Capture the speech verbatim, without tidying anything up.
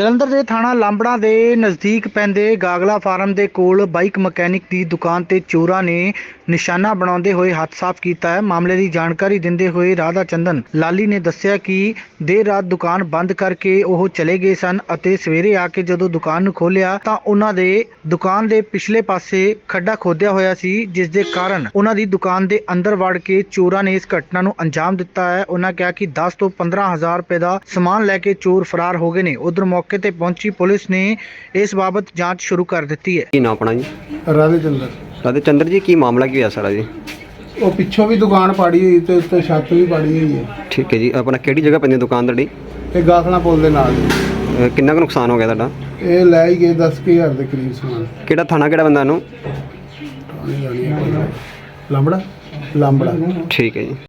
ਜਲੰਧਰ ਦੇ ਥਾਣਾ ਲਾਂਬੜਾ ਦੇ ਨਜ਼ਦੀਕ ਪੈਂਦੇ ਗਾਗਲਾ ਫਾਰਮ ਦੇ ਕੋਲ ਬਾਈਕ ਮਕੈਨਿਕ ਦੀ ਦੁਕਾਨ ਤੇ ਚੋਰਾਂ ਨੇ ਨਿਸ਼ਾਨਾ ਬਣਾਉਂਦੇ ਹੋਏ ਹੱਥ ਸਾਫ਼ ਕੀਤਾ ਹੈ। ਮਾਮਲੇ ਦੀ ਜਾਣਕਾਰੀ ਦਿੰਦੇ ਹੋਏ ਰਾਧਾ ਚੰਦਨ ਲਾਲੀ ਨੇ ਦੱਸਿਆ ਕਿ ਦੇਰ ਰਾਤ ਦੁਕਾਨ ਬੰਦ ਕਰਕੇ ਉਹ ਚਲੇ ਗਏ ਸਨ ਅਤੇ ਸਵੇਰੇ ਆ ਕੇ ਜਦੋਂ ਦੁਕਾਨ ਨੂੰ ਖੋਲ੍ਹਿਆ ਤਾਂ ਉਹਨਾਂ ਦੇ ਦੁਕਾਨ ਦੇ ਪਿਛਲੇ ਪਾਸੇ ਖੱਡਾ ਖੋਦਿਆ ਹੋਇਆ ਸੀ, ਜਿਸ ਦੇ ਕਾਰਨ ਉਹਨਾਂ ਦੀ ਦੁਕਾਨ ਦੇ ਅੰਦਰ ਵੜ ਕੇ ਚੋਰਾਂ ਨੇ ਇਸ ਘਟਨਾ ਨੂੰ ਅੰਜਾਮ ਦਿੱਤਾ ਹੈ। ਉਹਨਾਂ ਕਿਹਾ ਕਿ ਦਸ ਤੋਂ ਪੰਦਰਾਂ ਹਜ਼ਾਰ ਰੁਪਏ ਦਾ ਸਮਾਨ ਲੈ ਕੇ ਚੋਰ ਫਰਾਰ ਹੋ ਗਏ ਨੇ। ਉਧਰ ਮੌਕੇ ਤੇ ਪਹੁੰਚੀ ਪੁਲਿਸ ਨੇ ਇਸ ਬਾਬਤ ਜਾਂਚ ਸ਼ੁਰੂ ਕਰ ਦਿੱਤੀ ਹੈ। ਕੀ ਨਾਮ ਆਪਣਾ ਜੀ? ਰਾਧੇ ਚੰਦਰ। ਰਾਧੇ ਚੰਦਰ ਜੀ, ਕੀ ਮਾਮਲਾ ਕੀ ਹੋਇਆ ਸਾਰਾ ਜੀ? ਉਹ ਪਿੱਛੋਂ ਵੀ ਦੁਕਾਨ ਪਾੜੀ ਹੋਈ ਤੇ ਉੱਤੇ ਛੱਤ ਵੀ ਪਾੜੀ ਹੋਈ ਹੈ। ਠੀਕ ਹੈ ਜੀ, ਆਪਣਾ ਕਿਹੜੀ ਜਗ੍ਹਾ ਪੈਂਦੀ ਦੁਕਾਨ ਤੁਹਾਡੀ? ਇਹ ਗਾਖਲਾ ਪੁੱਲ ਦੇ ਨਾਲ ਹੀ। ਅਹ ਕਿੰਨਾ ਕੁ ਨੁਕਸਾਨ ਹੋ ਗਿਆ ਤੁਹਾਡਾ? ਇਹ ਲੈ ਹੀ ਗਏ ਦਸ ਕੁ ਹਜ਼ਾਰ ਦੇ ਕਰੀਬ ਸਮਾਨ। ਕਿਹੜਾ ਥਾਣਾ, ਕਿਹੜਾ ਬੰਦਾ ਨੂੰ? ਲਾਂਬੜਾ ਲਾਂਬੜਾ। ਠੀਕ ਹੈ ਜੀ।